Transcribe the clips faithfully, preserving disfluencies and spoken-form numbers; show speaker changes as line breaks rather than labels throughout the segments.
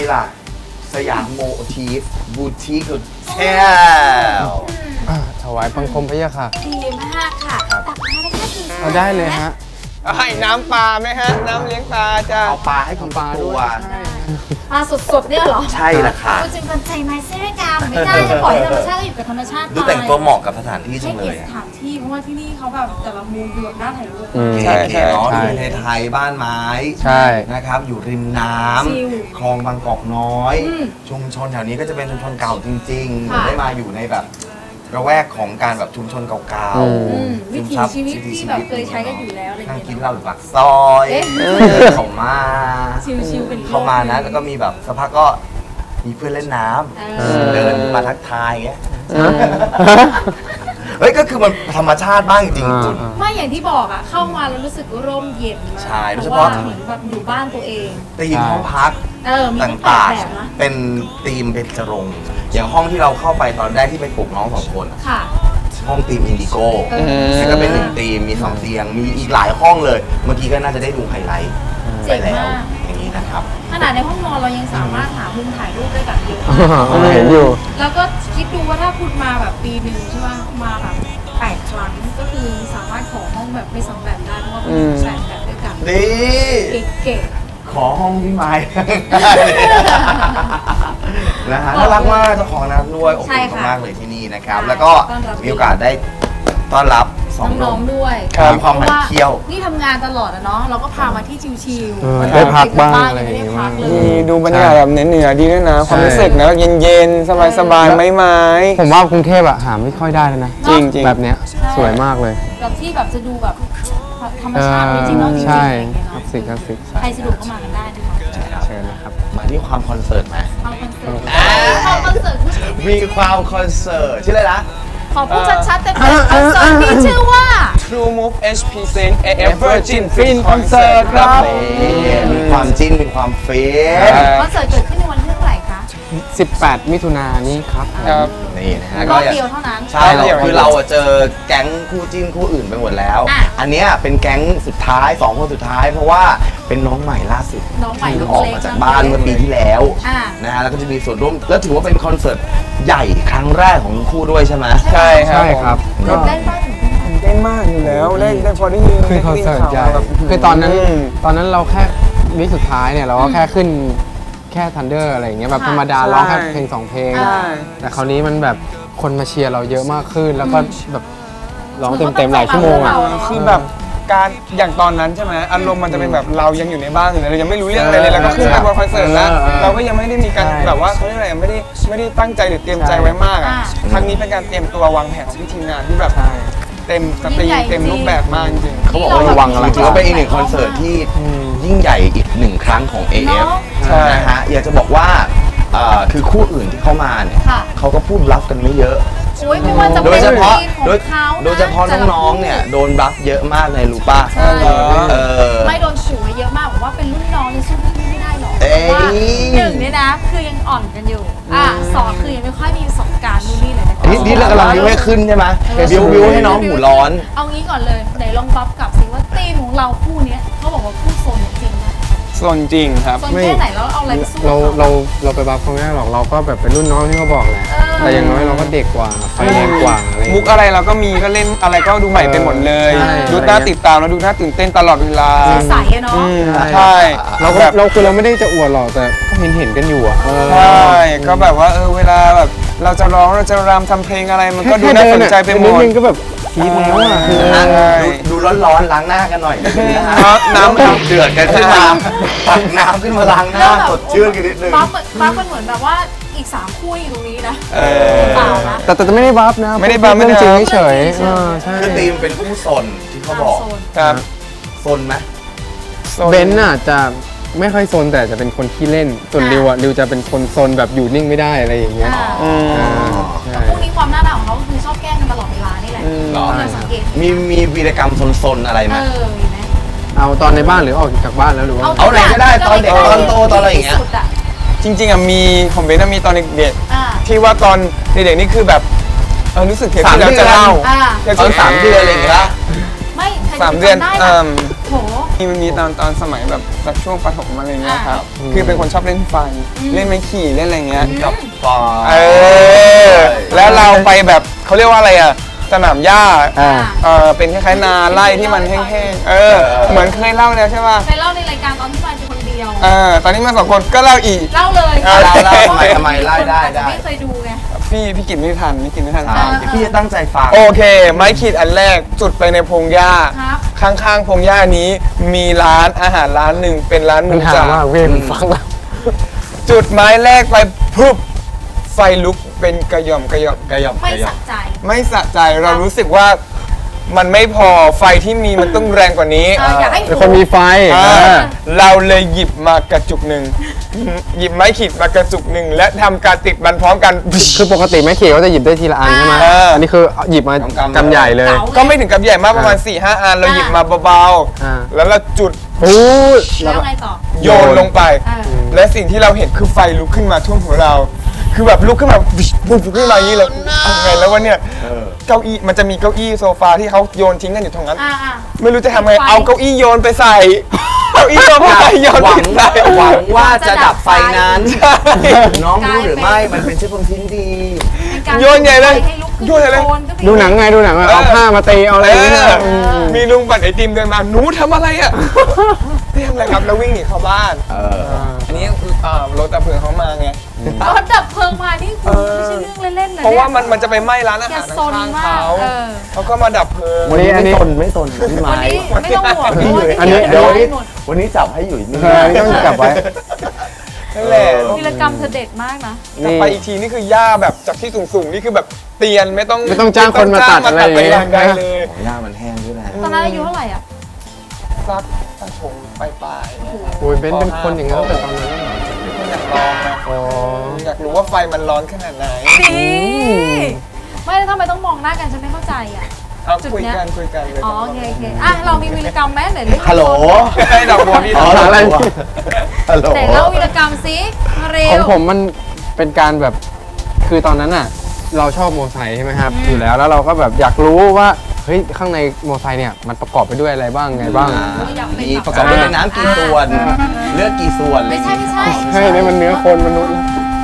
ล่ะสยามโมทีฟบูติกแชล
ถวายบังคมพระยาค่ะ
ดีมากค่ะตักมาได้แค่ที
เอาได้เลยฮะ
ให้น้ำปลาไหมฮะน้ำเลี้ยงปลาจ้า
เอาปลาให้คุณปลาด้วย
ปลาสดๆเนี่ยเหรอ
ใช่ละค่ะ
จริงๆคนใจไม้เส้นกรรมไม่ได้จะปล่อยธรรมชาติอยู่กับธรรมชาติ
ดูแต่งตัวเหมาะกับสถานที่จังเลย
สถานที่เพราะว่าที่นี่เขาแบบแต่ละมุมดูแบบน่าถ่ายรูป
ใช่ใช่เนาะอยู่ในไทยบ้านไม้
ใช่
นะครับอยู่ริมน้ำคลองบางกอกน้อยชุมชนแถวนี้ก็จะเป็นชุมชนเก่าจริงๆได้มาอยู่ในแบบระแวกของการแบบชุมชนเก่า
ๆวิถีชีวิตที่แบบเคยใช้กันอยู่แล้วอะไรอย่างเงี้ย
นั่งกินเหล้าอยู่ปากซอยเข้ามา
ชิวๆเป็น
เข้ามานะแล้วก็มีแบบสักพักก็มีเพื่อนเล่นน้ำเดินมาทักทายเงี้ยเฮ้ยก็คือมันธรรมชาติบ้างจริงๆคุณ
ไม่อย่างที่บอกอ่ะเข้ามาแล้วรู้สึกร่มเย็น
ใช่โดยเฉ
พาะเหมือนแบบอยู่บ้านตัวเอง
ธีมห้องพักต่างๆเป็นธีมเบญจรงค์อย่างห้องที่เราเข้าไปตอนแรกที่ไปปลุกน้องสองคนห้องธีมอินดิโก้แล้วก็เป็นหนึ่งธีมมีสองเตียงมีอีกหลายห้องเลยเมื่อกี้ก็น่าจะได้ดูไฮไลท์ไปแล้วอย่างนี้นะครับ
ขนาดในห้องนอนเรายังสามารถหามุมถ่ายรูปได้แบบเยอะ
เห็นอยู่
แล้วก็คิดดูว่าถ้าคุณมาแบบปีหนึ่งใช่ไหมมาแบบแปดครั้งก็คือสามารถขอห้องแบบไปสองแบบได้เพราะว่าเป็นแปดแบบด้วยกัน
ดี
เก๋
ขอห้องพี่ไม้นะฮะน่ารักมากเจ้าของน้ำด้วยอบอุ่นมากเลยที่นี่นะครับแล้วก็มีโอกาสได้ต้อนรับสองน้อง
ด้วย
มีความหมั่นเที่ยว
นี่ทำงานตลอดอะเนาะเราก็พามาที่ชิวๆ
ได้พักบ้างอะไรอย่างเงี้ย
ดูบรรยากาศแบบเหนือๆดีด้วยนะความรู้สึกนะเย็นๆสบายๆไม้ๆ
ผมว่ากรุงเทพอะหาไม่ค่อยได้แล้วนะ
จริงๆ
แบบเนี้ยสวยมากเลย
แบบที่แบบจะดูแบบธรรมชาติจริงๆเนาะจริงๆ
ใช่ครับสิครับสิ
ใครสะดวกก็มากันได้นะคะ
เชิญนะครับ
มาที่ความคอนเสิร์ตไหม
ความคอนเสิร์ตความคอนเสิร์ต
มีความคอนเสิร์ตชื่ออะไรนะ
ขอพูดชัดๆแต่เป็นคอนเสิร์ตที่ชื่อว่า
True Move เอช พี Saint เอ เอฟ Virgin Fin Concert ครับ
มีความจิ้นมีความเฟ้
คอนเสิร์ตเกิดขึ้นในวันที่เท่าไหร่คะ
สิบแปดมิถุนายนนี้ครับ
ครับ
นี่นะฮะ
รอบเดียวเท่านั้น
ใช่เราคือเราเจอแก๊งคู่จิ้นคู่อื่นไปหมดแล้วอันนี้เป็นแก๊งสุดท้ายสองคนสุดท้ายเพราะว่าเป็นน้องใหม่ล่าสุดที่ออกมาจากบ้านเมื่อปีที่แล้วนะฮะแล้วก็จะมีส่วนร่วมแล้วถือว่าเป็นคอนเสิร์ตใหญ่ครั้งแรกของทั้งคู่ด้วยใช่ไหม
ใช่
ใช่ครับ
ก็ได้มาก
เต้นมากอยู่แล้วได้ได้พอได้ยิน
คือคอนเสิร์ตใหญ่คือตอนนั้นตอนนั้นเราแค่วิสุดท้ายเนี่ยเราก็แค่ขึ้นแค่ทันเดอร์อะไรอย่างเงี้ยแบบธรรมดาร้องแค่เพลงสองเพลงแต่คราวนี้มันแบบคนมาเชียร์เราเยอะมากขึ้นแล้วก็แบบร้องเต็มๆหลายชั่วโมงอ่ะ
คือแบบการอย่างตอนนั้นใช่ไหมอารมณ์มันจะเป็นแบบเรายังอยู่ในบ้านอยู่เลยเรายังไม่รู้เรื่องอะไรเลยแล้วก็ขึ้นไปบนคอนเสิร์ตแล้วเราก็ยังไม่ได้มีการแบบว่าเขาเรียกอะไรไม่ได้ไม่ได้ตั้งใจหรือเตรียมใจไว้มากอ่ะครั้งนี้เป็นการเตรียมตัววางแผนของทีมงานที่แบบเต็มสตรีเต็มรูปแบบมากจริง
เขาบอกว่าระวังอะไรถือว่าเป็นอีกหนึ่งคอนเสิร์ตที่ยิ่งใหญ่อีกหนึ่งครั้งของ เอ เอฟ นะฮะอยากจะบอกว่าคือคู่อื่นที่เข้ามาเนี่ยเขาก็พูดรับกันไม่เยอะโดยเฉพาะโดยโดยเฉพาะน้องๆเนี่ยโดนรับเยอะมากเลยรู้ป่ะ
ไม่โดนฉูเยอะมากบอกว่าเป็นรุ่นน้องที่สู้พี่ไม่ได้หรอกว่าหนึ่งเนี่ยนะคือยังอ่อนกันอยู่อ่ะสองคือยังไม่ค่อยมีประสบการณ์นู่นนี่เลย
นี่นี่เรากำลังไม่ขึ้นใช่ไหมบิวบิวให้น้องหูร้อน
เอางี้ก่อนเลยไหนลองบัฟกับสิว่าตีมของเราคู่นี้เขาบอกว่าคู่โซนจริงนะ
โซนจริงครับ
โซนแค่ไหนแล้วเอาอะไรสู้
เราเราเราไปบัฟเขาไม่ได้หรอกเราก็แบบเป็นรุ่นน้องที่เขาบอกแหละแต่อย่างน้อยเราก็เด็กกว่าไฟแรงกว่าอะไร
มุกอะไรเราก็มีก็เล่นอะไรก็ดูใหม่ไปหมดเลยดูน่าติดตามแล้วดูน่าตื่นเต้นตลอดเวลา
ใสๆเนาะ
ใช่
เราแบบเราคือเราไม่ได้จะอวดหรอกแต่ก็เห็นเห็นกันอยู่อ่ะ
ใช่ก็แบบว่าเออเวลาแบบเราจะร้องเราจะรำทำเพลงอะไรมันก็ดูน่าสนใจไปหมด
ก็แบบคิดแล้วอ่ะ
ดูร้อนๆล้างหน้ากันหน่อย
น้ำ
น้ำเดือดกันขึ้นมาตักน้ำขึ้นมาล้างหน้าสดชื่นกันนิดนึง
บัฟบัฟมันเหมือนแบบว่าอีกสามคู่อยู่ตรงนี้นะเปล่านะ
แต่แต่ไม่ได้บัฟนะ
ไม่ได้บัฟไม่ได้
จริงเฉย
คือธีมเป็นผู้ซนที่เขาบอก
ครับ
ซนไหม
เบนน่ะจะไม่ค่อยซนแต่จะเป็นคนขี้เล่นส่วนริวอ่ะริวจะเป็นคนซนแบบอยู่นิ่งไม่ได้อะไรอย่างเงี้ย
พวกนี้ความน่ารักของเขาคือชอบแกล้งกันตลอดเวลานี่แหละสังเกต
มีมีวีรกรรมซนๆอะไรไหม
เอาตอนในบ้านหรือออกจากบ้านแล้วหรือว่า
เอาไหนก็ได้ตอนเด็กตอนโตตอนอะไรอย่างเงี้ย
จริงๆอ่ะมีผมเบนมีตอนเด็กๆที่ว่าตอนเด็กๆนี่คือแบบเออรู้สึกเทปที่เราจะเล่า
ตอนสามเดือนอะไรอย่างเงี้ย
ไม่
สามเดือน
โถ
นี่มันมีตอนตอนสมัยแบบสักช่วงประถมอะไรเงี้ยครับ
อืม
คือเป็นคนชอบเล่นไฟเล่นไม้ขี่เล่นอะไรเงี้ย
กับฟอ
เออแล้วเราไปแบบเขาเรียกว่าอะไรอ่ะสนามหญ้า
อ่า
เออเป็นคล้ายๆนาไร่ที่มันแห้งๆเออเหมือนเคยเล่าแล้วใช่ป่ะ
ไปเล่าในรายการตอนที่มาเป็นคนเดียว
เออตอนนี้มาสองคนก็เล่าอีก
เล่าเลย
เออ
เล่าเล่าทำไมทำไมไล่ได้ได้
ไม่เคยดูไง
พี่พี่กินไม่ทันพี่กินไม่ทัน
อ่าพี่จะตั้งใจฟัง
โอเค ไม้ขีดอันแรกจุดไปในพงหญ้า
ครับ
ข้างๆพงหญ้านี้มีร้านอาหารร้านหนึ่งเป็นร้านห
มั
มู
นหา
จ่าม
ากเว้ยมันฟังแล้ว
จุดไม้แรกไปปุ๊บไฟลุกเป็นกระหย่อมกระหย่อม
กระยอบ
ไม่
กระยอ
สะ
บ
ใจ
ไม่สะใจเรารู้สึกว่ามันไม่พอไฟที่มีมันต้องแรงกว่านี้
เอออยากให้
เป็นคนมีไฟ
อ่า
เออ
เราเลยหยิบมากระจุกหนึ่งหยิบไม้ขีดมากระจุกหนึ่งและทำการติดมันพร้อมกัน
คือปกติแม่เขียวก็จะหยิบได้ทีละอันใช่ไหม
เอออั
อันนี้คือหยิบมากำใหญ่เลย
ก็ไม่ถึงกับใหญ่มากประมาณ 4-5หอันเราหยิบมาเบา
อ่า
ๆแล้วเราจุด
พูด
แล้วไงต่อ
โยนลงไป
เออ
และสิ่งที่เราเห็นคือไฟลุกขึ้นมาท่วมหัวเรา คือแบบลุกขึ้นมาปุ๊บขึ้นมาอย่างนี้เลยเอาไงแล้ววะเนี่ยเก้าอี้มันจะมีเก้าอี้โซฟาที่เขาโยนทิ้งกันอยู่ตรงนั้น
อ่าอ่า
ไม่รู้จะทำไง
ไฟ
เอาเก้าอี้โยนไปใส่ เก้าอี้โซฟาโยน
หวั
ไป
ง
ใส่
หวังว่าจะดับไฟนั้น
ใช่
น้องรู้หรือไม่มันเป็นเชื้อเพลิงที่ดี
เป็นการ
โยนใหญ่เลย
ให้ลุกขึ้น
โยนใหญ่เลย
โก็ไป
ดูหนังไงดูหนังอะเอาผ้ามาตีเอาอะไรอย่างเงี้ย
เออมีลุงปั่นไอติมเดินมาหนูทำอะไรอ่ะเตรียมอะไรครับแล้ววิ่งหนีเข้าบ้าน
เออ
อันนี้คืออ่ารถดับเพลิงเขามาไง
รถดับเพลิงมานี่คุณไม่ใช่เรื่องเล่นๆนะ
เพราะว่ามัน
ย
มันจะไปไหม้ร้านอา
แก
หาร
ซน
ข้างๆ
มาก
เขา
เออ
เขาก็มาดับเพลิง
วันนี้อันนี้
ไม่ตนพี่
วั
ไม้
นนี้ไม่ต้องห่วง
พี่อยู่
อันนี้
เดี๋ยว
วั
วัน น
นี้
นี้วันนี้จับให้อยู่นี่
เอออันนี้ต้องจับไว้
นั่นแหละ
วีรกรรมเธอเด็ดมากนะ
กลับไปอีกทีนี่คือหญ้าแบบจากที่สูงๆนี่คือแบบเตียนไม่ต้อง
ไม่ต้องจ้างคนมาตัดอะไรอย่างเงี้ย
ม่ต้งจ้างมาตัดไปอย่างใดเลย
หน้ามันแห้งด้วยนะ
ตอนนั้นอายุเท่าไหร่อ่ะ
สักประถมปลายๆ
โอ้ยเบนซ์เป็นคนอย่างนั้นตั้งแต่ตอนนั้นแล้วเหรอ
อยากลองนะ
อ๋อ
อยากรู้ว่าไฟมันร้อนขนาดไหน
สิไม่แล้วทำไมต้องมองหน้ากันฉันไม่เข้าใจอ่ะ
เอา
จุด
คุย
เนี้ย
กันคุยกันเลย
อ๋อโอเคโอเคอ่ะเรามีวีรกรรมไหมไหนเรื่อง
ฮัลโหล
ให้ดอกบัวพี่
อ๋อ
ทำ
อะไรฮัลโหล
ไหนเล่าวีรกรรมสิมาเร็
ของ
ว
ผมมันเป็นการแบบคือตอนนั้นอ่ะ เราชอบมอเตอร์ไซค์ใช่ไหมครับ อยู่แล้วแล้วเราก็แบบอยากรู้ว่าเฮ้ยข้างในมอเตอร์ไซค์เนี่ยมันประกอบไปด้วยอะไรบ้างไงบ้าง
มีประกอบด้วยน้ำกี่ส่วน เลือดกี่ส่วน
ไม่ใช่ไม่ใช่
ใช่นี่มันเนื้อคนมนุษย์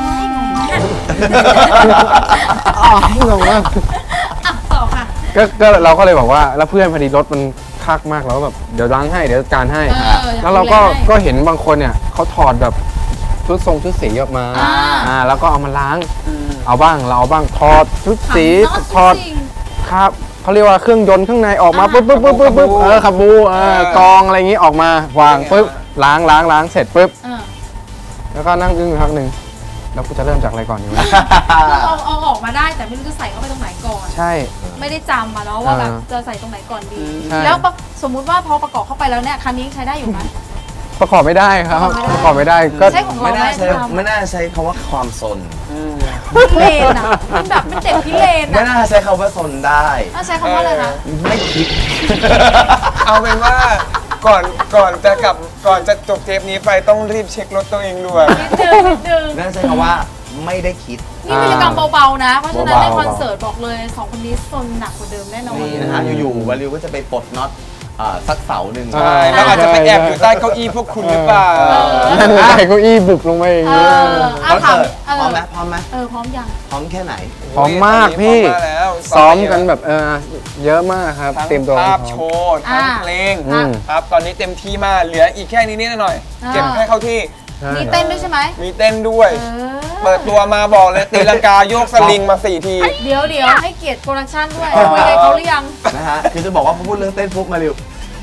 อ๋องงมาก
อ่ะต่อค่ะ
ก็ก็เราก็เลยบอกว่าแล้วเพื่อนพอดีรถมันคักมากแล้วแบบเดี๋ยวล้างให้เดี๋ยวจัดการให้
เออ
แล้วเราก็
อยากดูแลให้
ก็เห็นบางคนเนี่ยเขาถอดแบบชุดทรงชุดสีออกมา
อ่า
อ่าแล้วก็เอามาล้าง เอาบ้างเราเอาบ้างถอดชุดสี
ถ
ถ
อ
อ
ด
ดครับเขาเรียกว่าเครื่องยนต์ข้างในออกมาปุ๊บปุ๊บปุ๊บปุ๊บปุ๊บเออขับบูเออกองอะไรอย่างงี้ออกมาวางปุ๊บล้างล้างล้างเสร็จปุ๊บ
เออ
แล้วก็นั่งอึ้งอยู่พักหนึ่งแล้วกูจะเริ่มจากอะไรก่อนดีวะ
คือเอาเอาออกมาได้แต่ไม่รู้จะใส่เข้าไปตรงไหนก่อน
ใช่
ไม่ได้จำมาแล้วว่าแบบ
อ่า
จะใส่ตรงไหนก่อนดี
ใช่
แล้วปะสมมุติว่าพอประกอบเข้าไปแล้วเนี่ยคันนี้ยังใช้ได้อยู่ไหม
ประกอบไม่ได้ครับประกอบไม่ได้ก็
ใช่ของเรา
ไม่
ไหม
น่าใช้
ทำ
ไม่น่าใช้คำว่าความสน
พิเรนอ่ะมันแบบเป็นเด็กพิเรน
ไม่
อ่ะ
น่าใช้คำว่าสนได้
ต้องใช้คำว่าอะไรคะ
ไม่คิด
เอาเป็นว่าก่อนก่อนจะกลับก่อนจะจบเทปนี้ไปต้องรีบเช็ครถตัวเองด่วน
นิดนึงนิดนึง
น่าใช้คำว่าไม่ได้คิด
นี่วิรกรรมเบาๆนะ เพราะฉะนั้นใน
เบาๆ
คอนเสิร์ตบอกเลยสองคนนี้ซนหนักกว่าเดิมแน่นอน
นี่นะฮะอยู่ๆวาริวก็จะไปปลดน็อตอ่าสักเสาหนึ่ง
ใช่แล้วอาจจะไปแอบอยู่ใต้เก้าอี้พวกคุณหรือเปล่า
นั่งใส่เก้าอี้บุบลงไปอย่าง
เอ
นี้
อ
ค
เอา
อน
ถาม
เสิร์ต
เอ
พร้อม
อ
ไหมพร้อมไหม
เออพร้อมยัง
พร้อมแค่ไหน
พร้อมมากพี่
พร้อมแล้ว
ซ้อมกันแบบเออเยอะมากครับ
ทั้ง
เตรียมตัว
ภาพโชว์ทั้ง
อ่า
เพลง
อืม
ครับตอนนี้เต็มที่มากเหลืออีกแค่นี้นิดหน่อย
อ่า
เก็บแค่เข้าที่
ใช่
มีเต้นด้วยใช่ไหม
มีเต้นด้วย
เออ
เปิดตัวมาบอกเลยตีลังกาโยกสลิงมาสี่ที
เดี๋ยวเดี๋ยวให้เกียรติโปรดักชั่นด้วยคุยกับเขาหรือยัง
นะฮะ คือจะบอกว่าพอพูดเรื่องเต้นปุ๊บมาเร็ว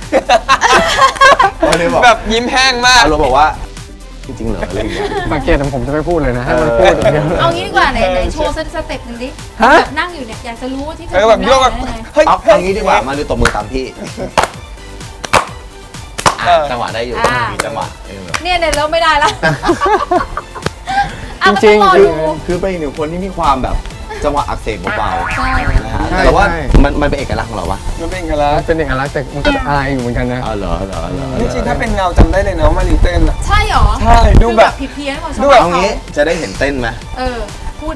มาเร็วบอก
แบบยิ้มแห้งมาก
อารมณ์บอกว่า จริงๆเหรออะไรอย่างเงี้ย
สังเกตผมจะไม่พูดเลยนะให้มันพูดอย่างเดียว
เอางี้ดีกว่าไหนไหนโชว์สเต็ปหนึ่งดิ
ฮะ
แบบนั่งอยู่เนี่ยอยากจะรู้ว่าที่เธ
เอ
อ
อแบบโยก
ทำ
แบบ
ได้ไง
เฮ้ย
เอาเอางี้ดีกว่า มาเร็วตบมือตามพี่
เออ
จังหวะได้อยู่
อ่า
มีจังหวะเออ
เนี่ยเนี่ยเริ่มไม่ได้ละอ่ะ
จริงๆ
ก็ต้องอ
คือ
ดู
คือเป็นอีกหนึ่งคนที่มีความแบบจังหวะอักเสบเบา
ใช่
ๆนะฮะ
ใช่
แต่ว่า
ใช่
มันมันเป็นเอกลักษณ์ของเราปะ
มันเป็นกันแล้ว
มันเป็นเอกลักษณ์แต่มันก็อายอยู่เหมือนกันนะ
อ๋อเหรอเหรอเหรอ
นี่จริงถ้าเป็นเงาจำได้เลยนะว่ามาริเต้นอะ
ใช่หรอ
ใช่ดูแบบ
ผิดเพี้ยนกว่าชาว
ดูแบบ
เอางี้จะได้เห็นเต้นไหม
เออพูดดิ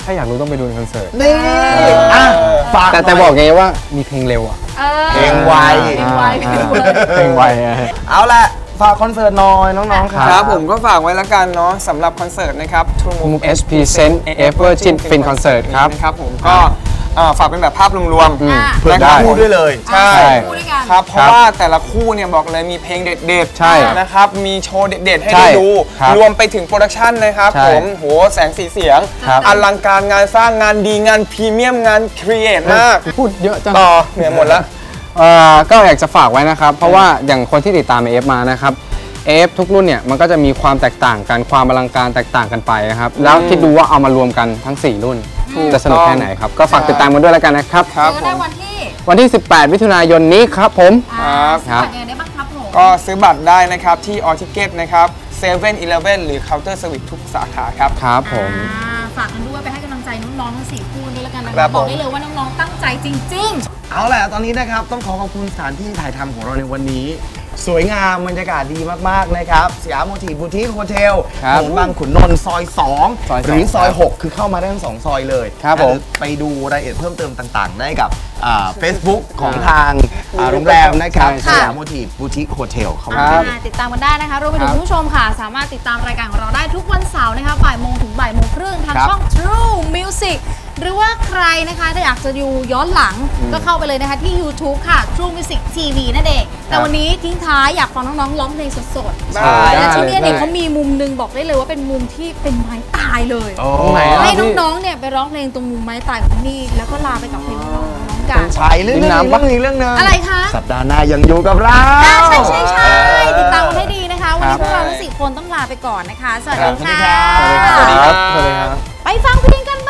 ถ้าอยากรู้ต้องไปดูในคอนเสิร์ต
นี่อ่ะฝาก
แต่แต่บอกไงว่ามีเพลงเร็วอ่ะ
เพลงไว
เพลงไวเพลงไว
เพลงไวอะ
เอาละฝากคอนเสิร์ตหน่อยน้องๆค
ค
รั
รั
บบ
ผมก็ฝากไว้แล้วกันเนาะสำหรับคอนเสิร์ตนะครับ True
มุ
Move
ม เอส พี Cent Evergin Fin Concert ครับ
นะครับผมก็อ่าฝากเป็นแบบภาพรวม
อืม
ๆ
เพื่อ
นะครับ
พูดด้วยเลย
ใช่
คู่ด้วยกัน
ครับเพราะว่าแต่ละคู่เนี่ยบอกเลยมีเพลงเด็ด
ใช่
ๆนะครับมีโชว์เด็ดๆให้
ใช่
ได้ดู
ครับ
รวมไปถึงโปรดักชันนะครับ
ใช่
ผมโหแสงสีเสียง
ครับ
อลังการงานสร้างงานดีงานพรีเมียมงานครีเอทมาก
พูดเยอะจัง
ต่อเหนื่อยหมดแล้ว
เอ่อก็อยากจะฝากไว้นะครับ เพราะว่าอย่างคนที่ติดตาม เอ เอฟ มานะครับ เอ เอฟ ทุกรุ่นเนี่ยมันก็จะมีความแตกต่างกันความอลังการแตกต่างกันไปนะครับแล้วคิดดูว่าเอามารวมกันทั้งสี่รุ่น จะสนุกแค่ไหนครับก็ฝากติดตามกันด้วยแล้วกันนะครับ
ครับ
เจอกันได้วันที่
วันที่ สิบแปด มิถุนายนนี้ครับผม
ครับ
อ่าสมัครยังไงได้บ้างครับผม
ก็ซื้อบัตรได้นะครับที่ออทิเกตนะครับเซเว่นอีเลฟเว่นหรือเคาน์เตอร์สวิตทุกสาขาครับ
ครับผม
อ่าฝากกันด้วยไปให้กำลังใจน้องๆทั้งสี่คู่ด้วยแล้วกันนะ
ค
ค
รั
รั
บบ ผม
บอกได้เลยว่าน้องๆตั้งใจจริง
เอาแหละตอนนี้นะครับต้องขอขอบคุณสถานที่ถ่ายทำของเราในวันนี้ สวยงามบรรยากาศดีมากๆนะครับสยามโมทีฟบูติคโฮเทล
ครับ
ถนนบางขุนนนท์ซอยสอง
ซอยสอง
หรือซอยหกคือเข้ามาได้ทั้งสองซอยเลย
ครับผม
หอไปดูรายละเอียดเพิ่มเติมต่างๆ ได้กับเฟซบุ๊กของทางอ่าโรงแรมนะครับ
ใช่
สยามโมทีฟบูติคโฮเทลเข้า
ๆ
มา
ครับ
อ่าติดตามกันได้นะคะรวมไปถึ
ค
ง
รับ
คุณผู้ชมค่ะ สามารถติดตามรายการของเราได้ทุกวันเสาร์นะคะบ่ายโมงถึงบ่ายโมงครึ่งทาง
ครับ
ช่อง True Music หรือว่าใครนะคะถ้าอยากจะดูย้อนหลังก็เข้าไปเลยนะคะที่ YouTube ค่ะ True Music ที วี นั่นเอง แต่วันนี้ทิ้งท้ายอยากฟังน้องๆร้องเพลงสดๆ
ได้
และที่เนี่ย
ได้
เนี่ยเขามีมุมหนึงบอกได้เลยว่าเป็นมุมที่เป็นไม้ตายเลย
โอ้
ตรงไหนอะ
ให้น้องๆเนี่ยไปร้องเพลงตรงมุมไม้ตายของนี่แล้วก็ลาไปกับเพลงของน้องๆกัน
ใช่เรื่องนี้เรื่องนี้เรื่องหนึง
อะไรคะ
สัปดาห์หน้ายังอยู่กับเรา
อ่าใช่ใช่ใช่ติดตามกันให้ดีนะคะ วันนี้พวกเราทั้งสี่คนต้องลาไปก่อนนะคะ สวัสดีค่ะ
สวัสดีครับ
สวัสดีครับ
ไปฟังเพลงกันเลย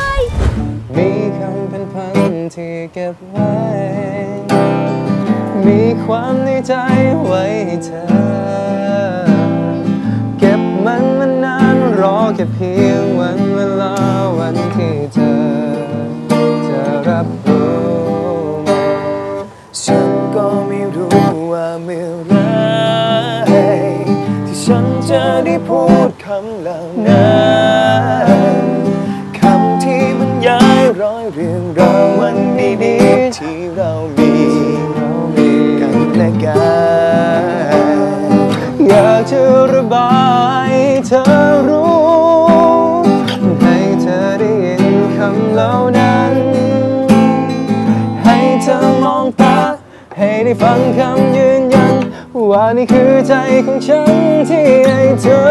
มีคำเป็นพันที่เก็บไว้ มีความในใจไว้ให้เธอ เก็บมันมานานรอแค่เพียงวันเวลาวันที่เธอจะรับรู้
ฉันก็ไม่รู้ว่าเมื่อไรที่ฉันจะได้พูดคำเหล่านั้นคำที่บรรยายร้อยเรื่องราววันดีๆที่เรามีกันและกัน
อยากจะระบายให้เธอรู้ ให้เธอได้ยินคำเหล่านั้น ให้เธอมองตา ให้ได้ฟังคำยืนยัน ว่านี่คือใจของฉันที่ให้เธอ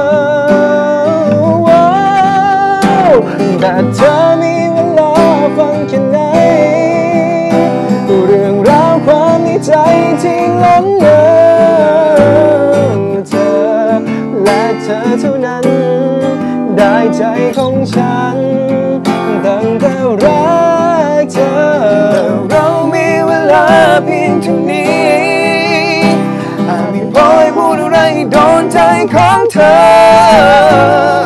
แต่เธอมีเวลาฟังแค่ไหน เรื่องราวความในใจที่ล้นเหลือเธอ และเธอเท่านั้น ได้ใจของฉัน ตั้งแต่รักเธอ
เรามีเวลาเพียงเท่านี้อาจไม่พอให้พูดอะไรโดนใจของเธอ